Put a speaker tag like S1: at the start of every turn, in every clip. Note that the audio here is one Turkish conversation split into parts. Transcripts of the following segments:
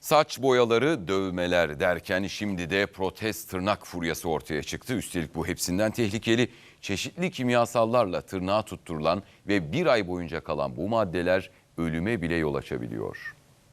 S1: Saç boyaları, dövmeler derken şimdi de protez tırnak furyası ortaya çıktı. Üstelik bu hepsinden tehlikeli. Çeşitli kimyasallarla tırnağa tutturulan ve bir ay boyunca kalan bu maddeler ölüme bile yol açabiliyor.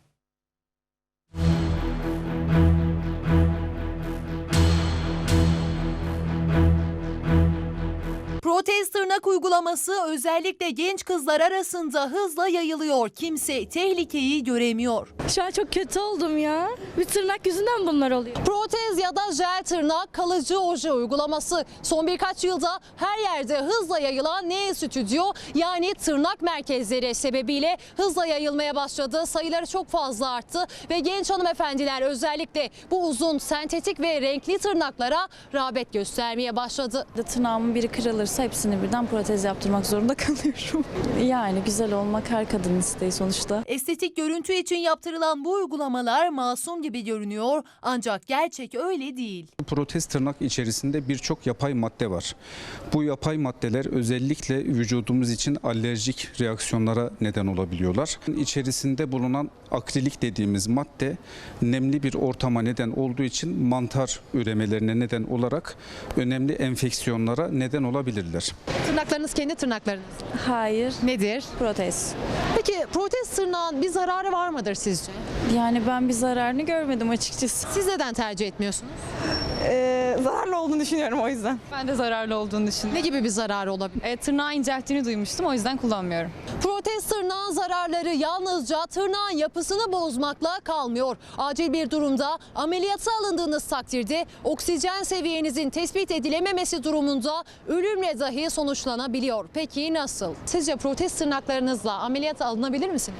S2: Protez tırnak uygulaması özellikle genç kızlar arasında hızla yayılıyor. Kimse tehlikeyi göremiyor.
S3: Şu an çok kötü oldum ya. Bir tırnak yüzünden bunlar oluyor.
S2: Protez ya da jel tırnak, kalıcı oje uygulaması son birkaç yılda her yerde hızla yayılan stüdyo yani tırnak merkezleri sebebiyle hızla yayılmaya başladı. Sayıları çok fazla arttı ve genç hanımefendiler özellikle bu uzun sentetik ve renkli tırnaklara rağbet göstermeye başladı.
S3: Tırnağımın biri kırılırsa hepsini birden protez yaptırmak zorunda kalıyorum. Yani güzel olmak her kadının isteği sonuçta.
S2: Estetik görüntü için yaptırılan bu uygulamalar masum gibi görünüyor ancak gerçek öyle değil.
S4: Protez tırnak içerisinde birçok yapay madde var. Bu yapay maddeler özellikle vücudumuz için alerjik reaksiyonlara neden olabiliyorlar. İçerisinde bulunan akrilik dediğimiz madde nemli bir ortama neden olduğu için mantar üremelerine neden olarak önemli enfeksiyonlara neden olabilirler.
S2: Tırnaklarınız kendi tırnaklarınız.
S3: Hayır.
S2: Nedir?
S3: Protez.
S2: Peki protez tırnağın bir zararı var mıdır sizce?
S3: Yani ben bir zararını görmedim açıkçası.
S2: Siz neden tercih etmiyorsunuz?
S5: Zararlı olduğunu düşünüyorum o yüzden. Ben de zararlı olduğunu düşünüyorum.
S2: Ne gibi bir zararı olabilir?
S5: Tırnağı incelttiğini duymuştum, o yüzden kullanmıyorum.
S2: Protez tırnağın zararları yalnızca tırnağın yapısını bozmakla kalmıyor. Acil bir durumda ameliyata alındığınız takdirde oksijen seviyenizin tespit edilememesi durumunda ölümle dahi sonuçlanabiliyor. Peki nasıl? Sizce protez tırnaklarınızla ameliyata alınabilir misiniz?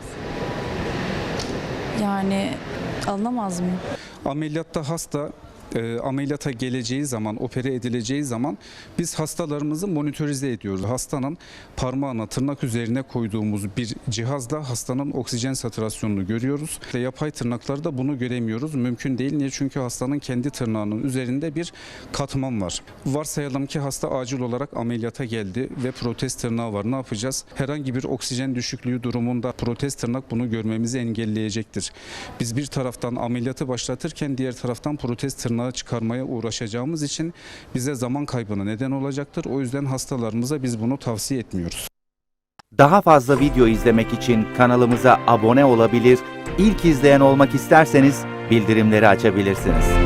S3: Yani alınamaz mıyım?
S4: Ameliyatta hasta ameliyata geleceği zaman, opere edileceği zaman biz hastalarımızı monitörize ediyoruz. Hastanın parmağına tırnak üzerine koyduğumuz bir cihazla hastanın oksijen satürasyonunu görüyoruz. Yapay tırnaklarda bunu göremiyoruz. Mümkün değil. Niye? Çünkü hastanın kendi tırnağının üzerinde bir katman var. Varsayalım ki hasta acil olarak ameliyata geldi ve protez tırnağı var. Ne yapacağız? Herhangi bir oksijen düşüklüğü durumunda protez tırnak bunu görmemizi engelleyecektir. Biz bir taraftan ameliyatı başlatırken diğer taraftan protez tırnağı çıkarmaya uğraşacağımız için bize zaman kaybına neden olacaktır. O yüzden hastalarımıza biz bunu tavsiye etmiyoruz.
S6: Daha fazla video izlemek için kanalımıza abone olabilir, ilk izleyen olmak isterseniz bildirimleri açabilirsiniz.